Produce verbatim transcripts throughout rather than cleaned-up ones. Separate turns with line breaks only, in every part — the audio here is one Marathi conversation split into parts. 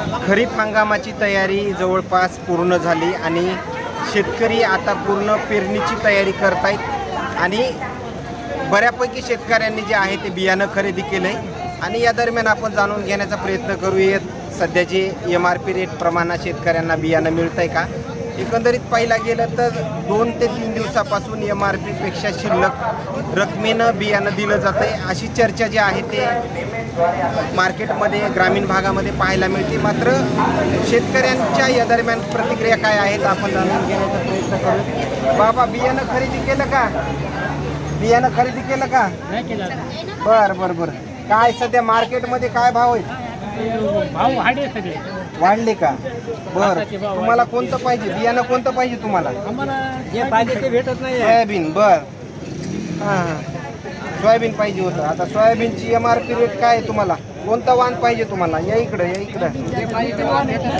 खरीप हंगामाची तयारी जवळपास पूर्ण झाली आणि शेतकरी आता पूर्ण पेरणीची तयारी करतायत आणि बऱ्यापैकी शेतकऱ्यांनी जे आहे ते बियाणं खरेदी केलं आहे आणि या दरम्यान आपण जाणून घेण्याचा प्रयत्न करूयात सध्याचे एम आर पी रेट प्रमाणात शेतकऱ्यांना बियाणं मिळतं आहे का. एकंदरीत पाहिला गेलं तर दोन ते तीन दिवसापासून एम आर पीपेक्षा शिल्लक रकमेनं बियाणं दिलं जातं आहे अशी चर्चा जी आहे ते मार्केटमध्ये ग्रामीण भागामध्ये पाहायला मिळते. मात्र शेतकऱ्यांच्या या दरम्यान प्रतिक्रिया काय आहेत आपण जाणून घेण्याचा प्रयत्न करू. बाबा बियाणं खरेदी केलं का बियाणं खरेदी केलं का बरं बरं बरं. काय सध्या मार्केटमध्ये काय भाव आहेत
भाव वाढले सगळे
वाढले का बरं. तुम्हाला कोणतं पाहिजे बियाणं कोणतं पाहिजे तुम्हाला
आम्हाला जे पाहिजे ते भेटत नाही.
सोयाबीन बर हां हां सोयाबीन पाहिजे होतं. आता सोयाबीनची एम आर पी रेट काय आहे तुम्हाला कोणतं वाण पाहिजे तुम्हाला या इकडं या इकडं
जे पाहिजे ते भाव भेटत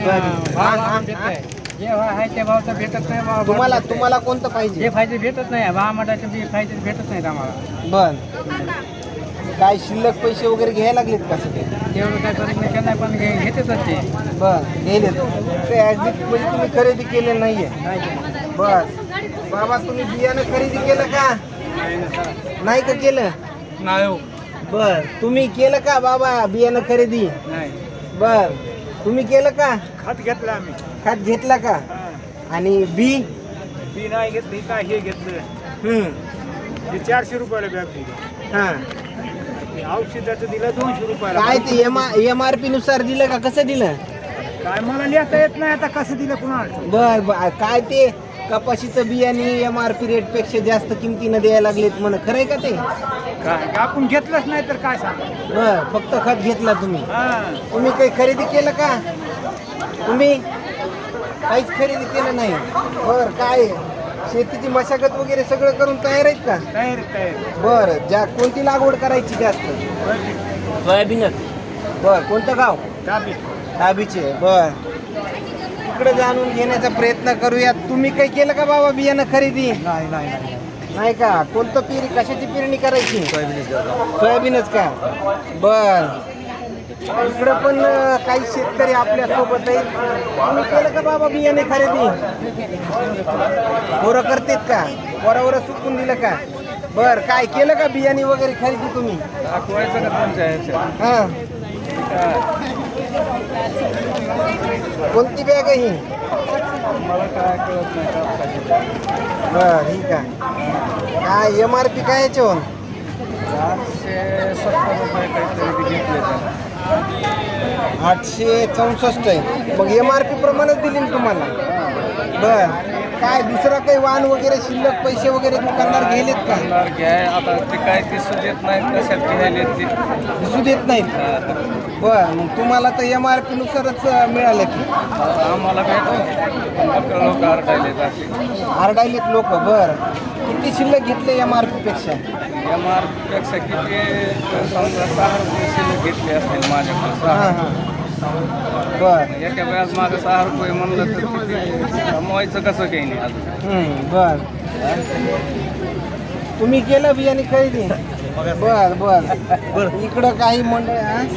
नाही. जे आहे ते भाव तर भेटत नाही. भाव
तुम्हाला तुम्हाला कोणतं पाहिजे
जे पाहिजे भेटत नाही. भाव मटाचे बी पाहिजे ते भेटत नाहीत आम्हाला.
बर काय शिल्लक पैसे वगैरे घ्यायला लागलेत का सगळे
तेवढं काय करत नाही त्यांना पण घे घेतेच ते.
बर गेलेत ते ॲक्झिट म्हणजे तुम्ही खरेदी केले नाहीये बर. बाबा तुम्ही बियाणं खरेदी केलं का नाही का केलं
नाही
बर. तुम्ही केलं का बाबा बियाणं खरेदी
नाही.
बर तुम्ही केलं का
खत घेतलं आम्ही.
खत घेतला का आणि बी
बी नाही घेतली काय हे घेतलं
हम्म
ते चारशे रुपयाला बॅग दिली.
हां
औषधाचं दिलं दोनशे रुपयाला.
काय ते एम एम आर पी नुसार दिलं का कसं दिलं
काय मला लिहिता येत नाही आता कसं दिलं कुणाला.
बर बर. काय ते कपाशीचं बियाणे एम आर पी रेट पेक्षा जास्त किमतीनं द्यायला लागलेत म्हण खरंय का ते
काय आपण घेतलंच नाही तर काय सांगा.
बर फक्त खत घेतला तुम्ही
हा
तुम्ही काही खरेदी केलं का तुम्ही काहीच खरेदी केलं नाही. बर काय शेतीची मशागत वगैरे सगळं करून तयार आहेत का
तयार तयार.
बरं ज्या कोणती लागवड करायची जास्त सोयाबीनच बर. कोणतं गाव
दाबी
दाबीचे बर. इकडे जाणून घेण्याचा प्रयत्न करूया. तुम्ही काही केलं का बाबा बियाणं खरेदी
नाही नाही
नाही का कोणतं पेरी कशाची पेरणी करायची सोयाबीनच का बर. इकडं पण अं, काही शेतकरी आपल्या सोबत आहेत. तुम्ही केलं का बाबा बियाणे खरेदी पोरं करतेत का पोरावर सुकून दिलं का बर. काय केलं का बियाणे वगैरे खरेदी तुम्ही
दाखवायचं का तुमच्या
हां कोणती बॅग आहे ही
मला काय कळत नाही.
बर ठीक आहे. काय एम आर पी काय याच्यावर
आठशे सत्तर रुपये काहीतरी घेतले तर
आठशे चौसष्ट आहे. मग एम आर पी प्रमाणेच दिली ना तुम्हाला बर. काय दुसरा काही वाहन वगैरे शिल्लक पैसे वगैरे दुकानदार गेलेत का
घ्याय आता ते काय दिसू देत नाहीत कशात घ्यायले ते
दिसू देत नाहीत बर. मग तुम्हाला तर एम आर पी नुसारच मिळालं की
आम्हाला भेटतो लोक आरडायले
आरडायलेत लोक बर. किती शिल्लक घेतले एम आर पी पेक्षा
एम आर पेक्षा किती समजा सहा रुपये शिल्लक घेतले असतील माझ्याकडे.
हां हां बर
एका वेळेस माझं सहा रुपये म्हणलं तर किती कमवायचं कसं काही नाही अजून.
हम्म, बर. तुम्ही केलं बियाणे खरेदी बर बर बर. इकडं काही मंडळ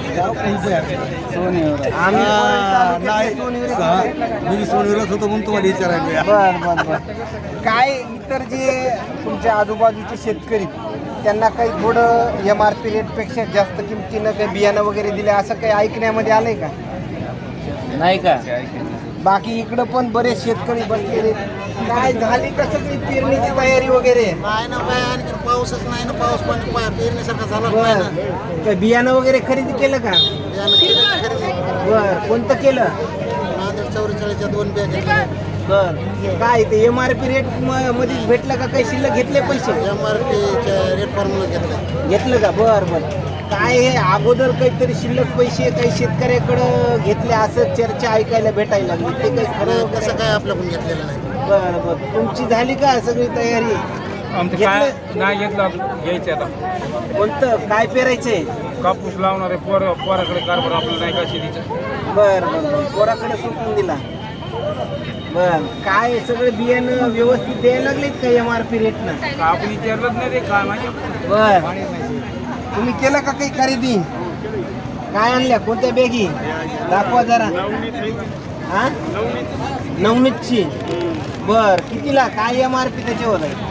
मी सोनीवरच होतो म्हणून तुम्हाला विचारायला.
बर बर बर. काय इतर जे तुमच्या आजूबाजूचे शेतकरी त्यांना काही थोडं एम आर पी रेटपेक्षा जास्त किमतीनं काही बियाणं वगैरे दिलं असं काही ऐकण्यामध्ये आलंय का नाही का. बाकी इकडं पण बरेच शेतकरी बसलेले काय झाली कसं काही पेरणीची तयारी वगैरे
नाही ना बाय आणखी पाऊसच नाही ना. पाऊस पण पेरण्यासारखा झाला नाही ना.
बर. काय बियाणं वगैरे खरेदी केलं का
यानं केलं खरेदी.
बर. कोणतं केलं
नांदेड चौवेचाळीसच्या दोन बॅग घेतल्या.
बर. काय ते एम आर पी रेट मध्येच भेटलं का काही शिल्लक घेतले पैसे
एम आर पीच्या रेट फॉर्म्युला घेतलं.
घेतलं का बर बर. काय हे अगोदर काहीतरी शिल्लक पैसे काही शेतकऱ्याकडं घेतले असं चर्चा ऐकायला भेटायला लागली ते काही खरं
कसं काय आपल्याकडून घेतलेलं नाही.
बर बर. तुमची झाली का सगळी तयारी
आमचं काय नाही घेतलं घ्यायचं आता.
कोणतं काय पेरायचंय
कापूस लावणारे पोर पोराकडे कारभार आपल्याला नाही का शेतीचं.
बर बर. पोराकडे सुटून दिला बर. काय सगळे बियाणं व्यवस्थित द्यायला लागलेत का एम आर पी रेटनं
आपण विचारलंच नाही ते काय माहिती.
बर. तुम्ही केलं का काही खरेदी काय आणल्या कोणत्या बॅगी दाखवा जरा हा नवनीतची बर कितीला काय एम आर पी त्याच्यावर आहे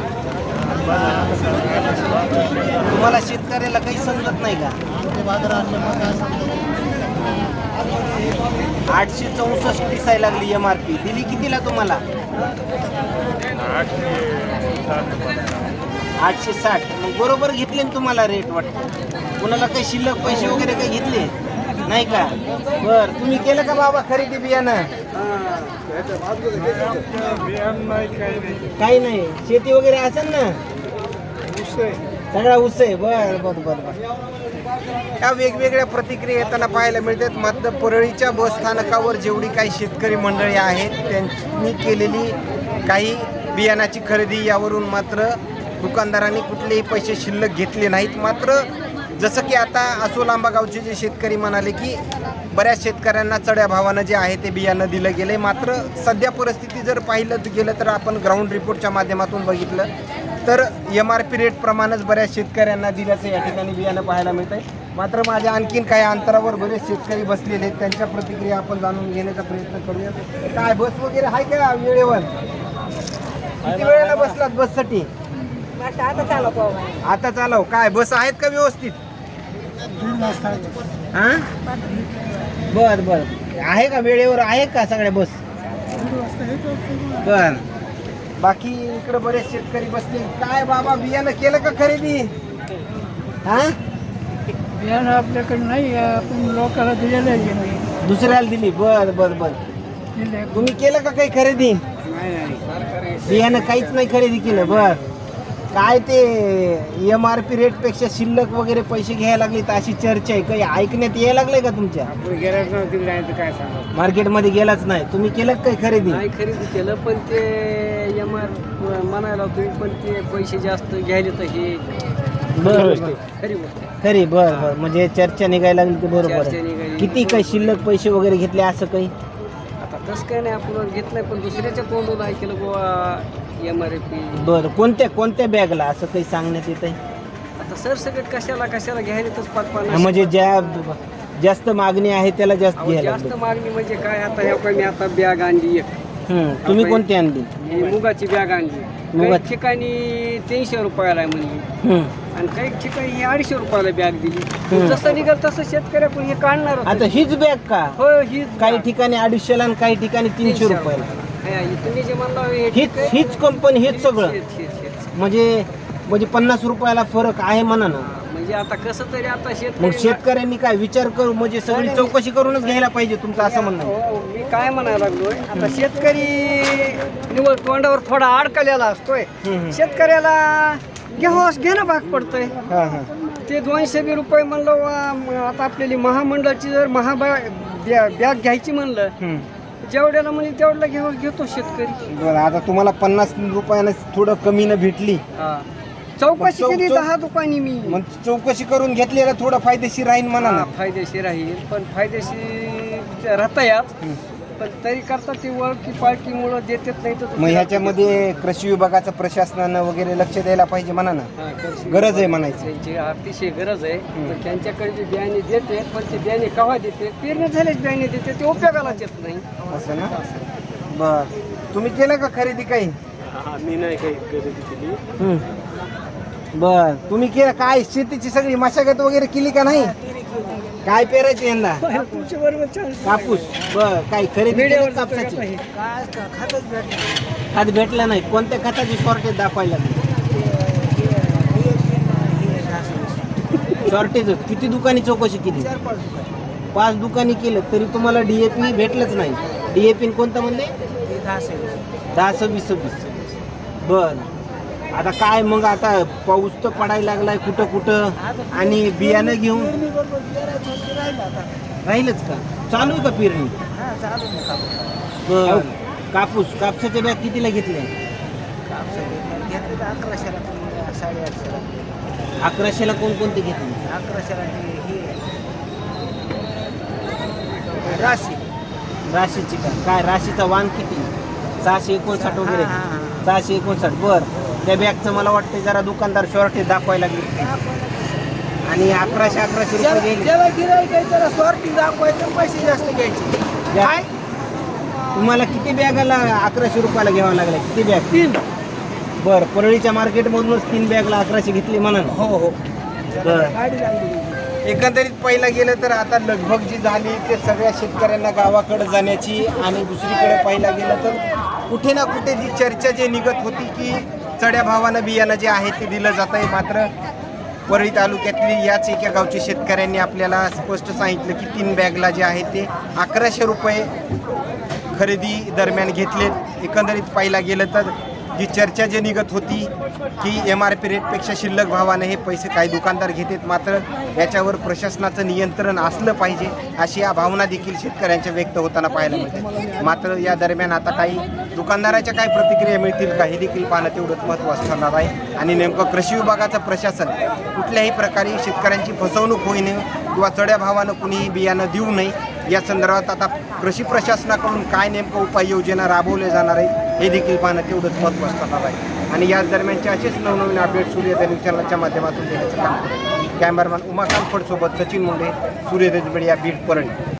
तुम्हाला शेतकऱ्याला काही समजत नाही का आठशे चौसष्ट दिसायला लागली एम आर पी दिली कितीला तुम्हाला आठशे साठ मग बरोबर घेतले ना तुम्हाला रेट वाटतं कोणाला काही शिल्लक पैसे वगैरे काही घेतले नाही का बर तुम्ही केलं का बाबा खरेदी बियाणं काही नाही शेती वगैरे असेल ना सगळा ऊस आहे बर बर बर बर या वेगवेगळ्या प्रतिक्रिया येताना पाहायला मिळतात मात्र परळीच्या बस स्थानकावर जेवढी काही शेतकरी मंडळी आहेत त्यांनी केलेली काही बियाणाची खरेदी यावरून मात्र दुकानदारांनी कुठलेही पैसे शिल्लक घेतले नाहीत मात्र जसं की आता आसोलांबा गावचे जे शेतकरी म्हणाले की बऱ्याच शेतकऱ्यांना चढ्या भावानं जे आहे ते बियाणं दिलं गेलं मात्र सध्या परिस्थिती जर पाहिलं गेलं तर आपण ग्राउंड रिपोर्टच्या माध्यमातून बघितलं तर एम आर पी रेटप्रमाणेच बऱ्याच शेतकऱ्यांना दिल्याचं या ठिकाणी बियाणं पाहायला मिळत आहे मात्र माझ्या आणखीन काही अंतरावर बरेच शेतकरी बसलेले आहेत त्यांच्या प्रतिक्रिया आपण जाणून घेण्याचा प्रयत्न करूया काय बस वगैरे आहे का वेळेवर किती वेळेला बसलात बससाठी
आता चालव
आता चालव काय बस आहेत का व्यवस्थित हा बर बर आहे का वेळेवर आहे का सगळ्या बस बर बाकी इकडे बरेच शेतकरी बसले काय बाबा बियाणं केलं का खरेदी हा
बियाणं आपल्याकडे नाही आपण लोकांना दिलेलं आहे
दुसऱ्याला दिली बर बर बर
दिले
तुम्ही केलं का काही खरेदी बियाणं काहीच नाही खरेदी केलं बर काय ते एम आर पी रेट पेक्षा शिल्लक वगैरे पैसे घ्यायला लागले तर अशी चर्चा आहे काही ऐकण्यात यायला लागलंय का तुमच्या
गेल्याच नव्हती नाही तर काय सांगा
मार्केटमध्ये गेलाच नाही तुम्ही केलं का काही खरेदी
नाही खरेदी केलं पण ते एम आर म्हणायला तुम्ही पण ते पैसे जास्त घ्यायले तर हे
बर
खरी गोष्ट
खरी बर बर म्हणजे चर्चा निघायला लागली ते बरोबर
चर्चा
आहे.
निघाली.
किती काही शिल्लक पैसे वगैरे घेतले असं काही
आता तसं काय नाही आपण घेत नाही पण दुसऱ्याच्या तोंडून ऐकलं बुवा एम आर पी
बरं कोणत्या कोणत्या बॅगला असं काही सांगण्यात येत आहे
आता सरसकट कशाला कशाला घ्यायला तर पाच पन्नास
म्हणजे ज्या जास्त मागणी आहे त्याला जास्त
अहो,
घ्यायला
जास्त
लागते.
मागणी म्हणजे काय आता ह्या काय मी आता बॅग आणली एक
हम्म, तुम्ही कोणती आणली
ही मुगाची बॅग आणली काही
मुगाची? ठिकाणी
तीनशे रुपयाला आहे म्हणली
हम्म.
आणि काही ठिकाणी ही अडीचशे रुपयाला बॅग दिली
हम्म.
जसं निघाल तसं शेतकऱ्याकडून हे काढणार होतं.
आता हीच बॅग का
हो ही
काही ठिकाणी अडीचशेला आणि काही ठिकाणी तीनशे रुपयाला
तुम्ही जे म्हणला हे
हीच
ठीक आहे.
हीच कंपनी हेच सगळं
हेच, हेच, हेच.
म्हणजे म्हणजे पन्नास रुपयाला फरक आहे म्हणा ना
म्हणजे आता कसं तरी आता
मग
शेतकरी
शेतकऱ्यांनी काय विचार करू म्हणजे सगळी चौकशी करूनच घ्यायला पाहिजे तुमचं असं म्हणणं आहे.
हो, मी काय म्हणायला लागलोय आता शेतकरी निवड तोंडावर थोडा अडकलेला असतोय
हम्म, हम्म.
शेतकऱ्याला घेवास घेणं भाग पडतंय
हा हा
ते दोनशे बी रुपये म्हणलं वा, म, आता आपल्याली महामंडळाची जर महाबा बॅग घ्यायची म्हणलं
हम्म.
जेवढ्याला म्हणजे तेवढ्याला घेऊ घेतो शेतकरी
बरं आता तुम्हाला पन्नास रुपयानं थोडं कमीनं भेटली
चौकशी
चौ-
केली
चौ-
दहा दुकानी मी
मग चौकशी करून घेतलेलं थोडं फायदेशीर राहील म्हणा
हा,
ना
फायदेशीर राहील पण फायदेशीर राहता याच
हम्म.
पण तरी करता ती ओळखी पाळखीमुळं देतात नाही तर
मग ह्याच्यामध्ये कृषी विभागाचं प्रशासनानं वगैरे लक्ष द्यायला पाहिजे म्हणा ना
हा, कृषी
गरज आहे म्हणायचं
त्यांची अतिशय गरज आहे पण त्यांच्याकडे जे बियाणे देते पण ते बियाणे केव्हा देते पेरणी झालेच बियाणे देते ते उपयोगालाच येत नाही
असं ना बर तुम्ही केलं का खरेदी काही
मी नाही काही खरेदी केली
हम्म. बर तुम्ही केलं काय शेतीची सगळी मशागत वगैरे केली का नाही काय पेरायचं यंदा कापूस बर काय खरेदी केली का कापसाची खत भेटलं नाही कोणत्या खताची शॉर्टेज दाखवायला शॉर्टेज किती दुकानी चौकशी केली पाच दुकानी केलं तरी तुम्हाला डीएपी भेटलंच नाही डीएपी कोणतं म्हणले दहा सव्वीस सव्वीस बर आता काय मग आता पाऊस तर पडायला लागलाय कुठं कुठं आणि बियाणं घेऊन राहीलच का चालू आहे का पेरणी बर कापूस कापसाच्या बॅग कितीला घेतले अकराशेला कोणकोणते घेतले
अकराशेला
राशी राशीची का काय राशीचा वाण किती सहाशे एकोणसाठ वगैरे सहाशे एकोणसाठ बर त्या बॅगचं मला वाटतं जरा दुकानदार शॉर्टेज दाखवायला लागले आणि अकराशे अकराशे रुपये गेले.
ज्याला गिराईक आहे त्याला स्वार्थी दाखवायचं पैसे जास्त घ्यायचे.
काय तुम्हाला किती बॅगाला अकराशे रुपयाला घ्यावं लागलं? किती बॅग?
तीन.
बरं, परळीच्या मार्केटमधूनच तीन बॅगला अकराशे घेतली म्हणा.
हो हो
बरं.
गाडी लागली.
एकंदरीत पहिलं गेलं तर आता लगभग जी झाली ते सगळ्या शेतकऱ्यांना गावाकडे जाण्याची आणि दुसरीकडे पहिला गेलं तर कुठे ना कुठे जी चर्चा जी निघत होती की चढ्या भावानं बियाणं जे आहे ते दिलं जात आहे. मात्र परळी तालुक्यातली याच एका गावच्या शेतकऱ्यांनी आपल्याला स्पष्ट सांगितलं की तीन बॅगला जे आहे ते अकराशे रुपये खरेदी दरम्यान घेतलेत. एकंदरीत पाहिला गेलं तर जी चर्चा जी निघत होती की एम आर पी रेटपेक्षा शिल्लक भावाने हे पैसे काही दुकानदार घेतात, मात्र याच्यावर प्रशासनाचं नियंत्रण असलं पाहिजे अशी या भावना देखील शेतकऱ्यांच्या व्यक्त होताना पाहायला मिळते. मात्र या दरम्यान आता काही दुकानदाराच्या काय प्रतिक्रिया मिळतील का हे देखील पाहणं तेवढंच महत्त्वाचं ठरणार आहे. आणि नेमकं कृषी विभागाचं प्रशासन कुठल्याही प्रकारे शेतकऱ्यांची फसवणूक होऊ नये किंवा चढ्या भावानं कुणीही बियाणं देऊ नये या संदर्भात आता कृषी प्रशासनाकडून काय नेमकं उपाययोजना राबवल्या जाणार आहेत हे देखील पाहणं तेवढंच महत्त्वाचं ठरणार आहे. आणि याच दरम्यानचे असेच नवनवीन अपडेट सूर्योदय न्यूज चॅनलच्या माध्यमातून देण्याचं काम करेल. कॅमेरामॅन उमाकांत फडसोबत सचिन मुंडे, सूर्योदय मीडिया, बीड, परळी.